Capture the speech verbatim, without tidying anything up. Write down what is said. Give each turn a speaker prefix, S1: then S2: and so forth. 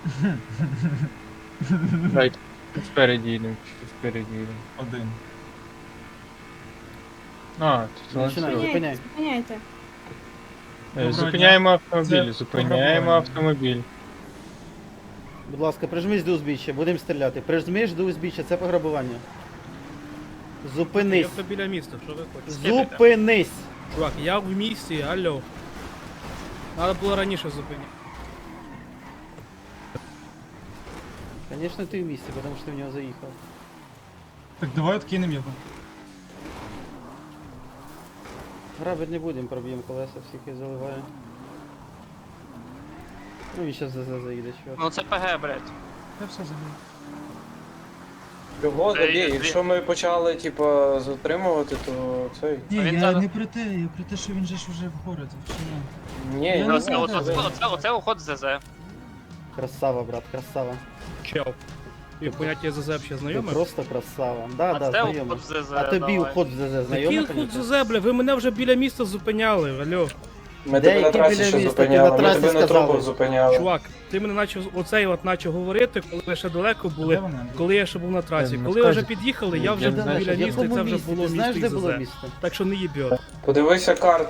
S1: Дайте, спереді їдемо, спереді їдемо.
S2: Один.
S1: А, це
S3: Починай.
S1: ланцюг.
S3: Зупиняй.
S4: Зупиняйте.
S1: Е,
S2: Доброго
S1: Зупиняємо
S2: дня.
S1: автомобіль,
S2: Це
S1: зупиняємо
S2: пограбування.
S1: автомобіль.
S3: Будь ласка, прижмись до узбіччя, будемо стріляти. Прижмись до узбіччя, це пограбування. Зупинись.
S5: Я біля міста, що ви хочете?
S3: Зупинись.
S5: Чувак, я в місті, алло. Надо було раніше зупиняти.
S3: Звісно, ти в місці, тому що ти в нього заїхав.
S2: Так давай откинем його.
S3: Грабити не будемо, проб'ємо колеса, всіх і заливає. Ну він зараз за заїде, чувак.
S6: Ну це ПГ, блядь.
S2: Я все забив.
S7: Його
S6: Це
S7: забій,
S6: є-
S7: якщо ми почали, типа, затримувати, то цей.
S2: Ні,
S6: він
S2: я
S6: зараз-
S2: не про те, я про те, що він же ж вже в городі. Чи ні?
S7: Ні,
S2: Я
S7: я
S2: не
S7: не
S2: знаю,
S6: Оце,
S2: де
S6: оце,
S2: ви.
S6: оце, оце уход з ЗЗ.
S3: Красава, брат, красава.
S5: Чел. І поняття ЗЗ взагалі
S3: Ти
S5: знайоме?
S3: просто красава. Да,
S6: А
S3: да,
S6: це
S3: знайомий.
S6: уход з ЗЗ.
S3: А тобі
S6: давай.
S3: уход в ЗЗ
S5: Який
S3: знайомий,
S5: уход
S3: конечно?
S5: ЗЗ, бля? Ви мене вже біля міста зупиняли, алло.
S7: Ми
S3: Де,
S7: тебе на
S3: які
S7: трасі
S3: біля
S7: ще
S3: міста? Ти
S7: зупиняли,
S3: на
S7: ми
S3: трасі
S7: тебе на
S3: сказали.
S7: трубах зупиняли.
S5: Чувак, ти мене начав оцей от начав говорити, коли ви ще далеко
S2: Де
S5: були,
S2: вона?
S5: коли я ще був на трасі.
S1: Е,
S5: Коли
S1: ну,
S5: ви вже
S1: скажіть.
S5: під'їхали, я
S1: Я
S5: вже
S1: не
S5: був
S1: знаю,
S5: біля
S3: В
S5: міста, і
S3: якому
S5: це вже
S3: місті?
S5: було
S3: Ти знаєш,
S5: місто
S3: де
S5: і
S3: було
S5: ЗЗ.
S3: місто?
S5: Так що не їбьот.
S7: Подивися карту.